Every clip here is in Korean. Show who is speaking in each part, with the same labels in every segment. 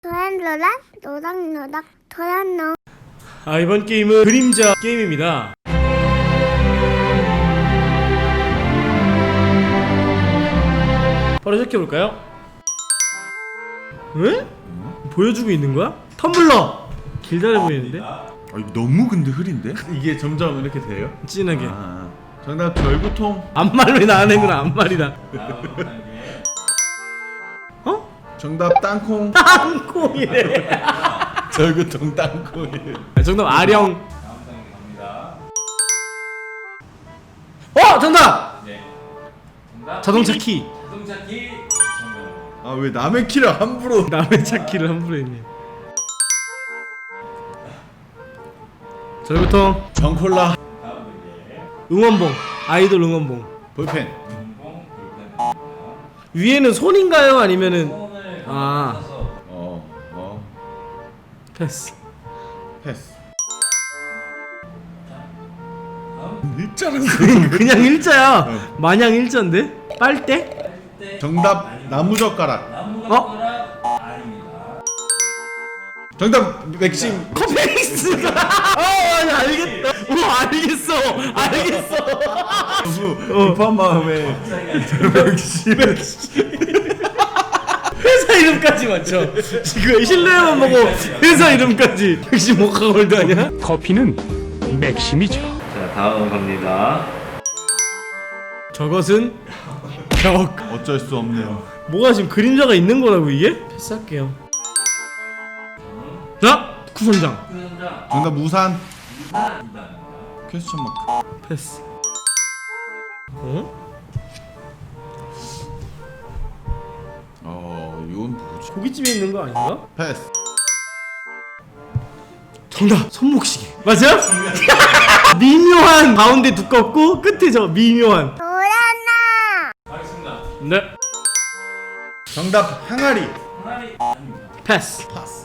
Speaker 1: 노닥노닥 도란노.
Speaker 2: 이번 게임은 그림자 게임입니다. 바로 시작해볼까요? 왜? 보여주고 있는 거야? 텀블러! 길다래 보이는데?
Speaker 3: 이거 너무 근데 흐린데?
Speaker 4: 이게 점점 이렇게 돼요?
Speaker 2: 진하게.
Speaker 4: 정답 절구통.
Speaker 2: 앞말 왜 나가는구나. 앞말이다.
Speaker 4: 정답 땅콩.
Speaker 2: 땅콩이래.
Speaker 4: 절구통 땅콩이래.
Speaker 2: 정답 아령. 정답!
Speaker 5: 네. 정답.
Speaker 2: 자동차 키.
Speaker 5: 자동차 키. 정답.
Speaker 4: 왜 남의 키를 함부로.
Speaker 2: 남의 차 키를 함부로 했네. 절구통.
Speaker 4: 정콜라.
Speaker 5: 다음 문제.
Speaker 2: 응원봉. 아이돌 응원봉.
Speaker 4: 볼펜.
Speaker 5: 운봉 볼펜.
Speaker 2: 위에는 손인가요? 아니면은
Speaker 5: 손을
Speaker 2: 아.
Speaker 5: 써서
Speaker 2: 패스.
Speaker 4: 패스.
Speaker 5: 다음
Speaker 4: 일자는
Speaker 2: 그냥 일자야. 마냥 일자인데? 빨대?
Speaker 5: 때
Speaker 4: 정답 나무젓가락.
Speaker 5: 나무젓가락 아닙니다.
Speaker 4: 정답 맥심.
Speaker 2: 커피믹스가. 아니 알겠다. 알겠어.
Speaker 4: 급한 마음에 맥심.
Speaker 2: 회사 이름까지 맞춰. 지금 실내만 보고 회사 이름까지. 역시 모카골드 아니야?
Speaker 6: 커피는 맥심이죠.
Speaker 5: 자, 다음 갑니다.
Speaker 2: 저것은 벽.
Speaker 4: 어쩔 수 없네요.
Speaker 2: 뭐가 지금 그림자가 있는 거라고 이게? 패스할게요. 자, 구선장.
Speaker 5: 수선장
Speaker 4: 정답 우산.
Speaker 5: 이단입니다.
Speaker 4: 퀘스천 마크.
Speaker 2: 패스.
Speaker 4: 이건 뭐지?
Speaker 2: 고깃집에 있는 거 아닌가?
Speaker 4: 패스.
Speaker 2: 정답! 손목시계. 맞아요? 미묘한 가운데 두껍고 끝에 저 미묘한.
Speaker 1: 도란노.
Speaker 5: 가겠습니다.
Speaker 2: 네.
Speaker 4: 정답 항아리.
Speaker 5: 하나리 아닙니다.
Speaker 2: 패스.
Speaker 4: 파스.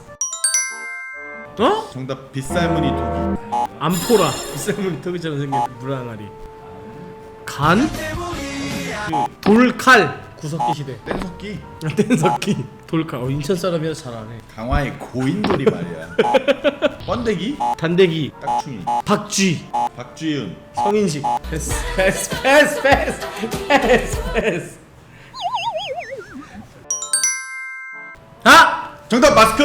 Speaker 2: 정답
Speaker 4: 빗살무늬 토기.
Speaker 2: 암포라. 비쌀물이 턱이처럼 생긴 물항아리. 간? 돌칼. 구석기 시대.
Speaker 4: 뗀석기.
Speaker 2: 뗀석기. 돌칼. 인천 사람이라서 잘하네.
Speaker 4: 강화의 고인돌이 말이야. 번데기.
Speaker 2: 단대기.
Speaker 4: 딱충이.
Speaker 2: 박쥐.
Speaker 4: 박주윤.
Speaker 2: 성인식. 패스.
Speaker 4: 정답 마스크.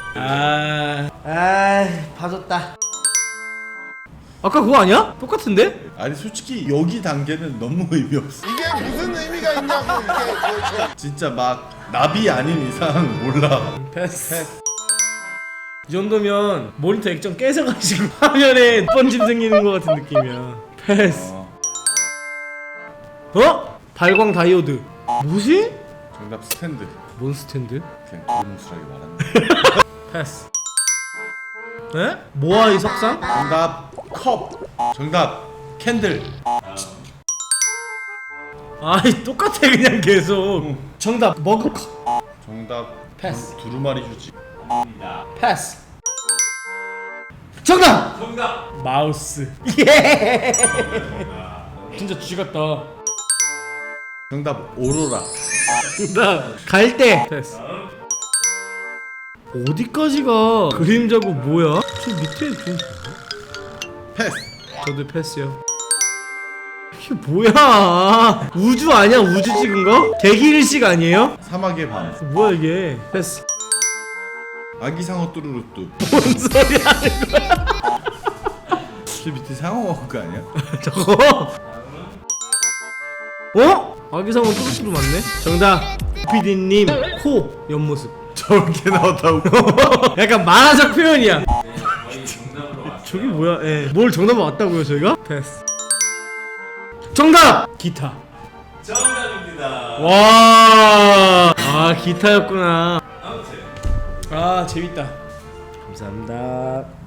Speaker 2: 봐줬다. 아까 그거 아니야? 똑같은데?
Speaker 4: 아니 솔직히 여기 단계는 너무 의미 없어.
Speaker 7: 이게 무슨 의미가 있냐고 이게
Speaker 4: 진짜 막 나비 아닌 이상 몰라.
Speaker 2: 패스. 이 정도면 모니터 액정 깨져가지고 화면에 번짐 생기는 것 같은 느낌이야. 패스. 발광 다이오드. 뭐지?
Speaker 4: 정답 스탠드.
Speaker 2: 뭔 스탠드?
Speaker 4: 그냥 고름스하게 말하는.
Speaker 2: 패스. 에? 모아이 석상?
Speaker 4: 정답 컵. 정답 캔들.
Speaker 2: 아이 똑같아 그냥 계속. 정답 머그컵.
Speaker 4: 정답
Speaker 2: 패스.
Speaker 4: 두루마리 휴지.
Speaker 5: 아닙니다.
Speaker 2: 패스. 정답!
Speaker 5: 정답.
Speaker 2: 마우스. 예. 진짜 쥐 같다.
Speaker 4: 정답 오로라.
Speaker 2: 정답 갈대. 패스. 어디까지가 그림자고 뭐야? 저 밑에 좀.
Speaker 4: 패스.
Speaker 2: 저도 패스요. 이게 뭐야? 우주 아니야? 우주 찍은 거? 대기일식 아니에요?
Speaker 4: 사막의 밤.
Speaker 2: 뭐야 이게? 패스.
Speaker 4: 아기 상어 뚜루루뚜.
Speaker 2: 뭔 소리 하는 거야?
Speaker 4: 저 밑에 상어 먹은 거 아니야?
Speaker 2: 저거? 아기상어 뚜루뚜루 맞네? 정답 PD님 코 옆모습.
Speaker 4: 저렇게 나왔다고.
Speaker 2: 약간 만화적 표현이야.
Speaker 5: 거의 정답으로 왔어요.
Speaker 2: 저기 뭐야? 뭘 정답 왔다고요 저희가? 패스. 정답! 기타.
Speaker 5: 정답입니다.
Speaker 2: 와. 기타였구나.
Speaker 5: 아무튼
Speaker 2: 재밌다. 감사합니다.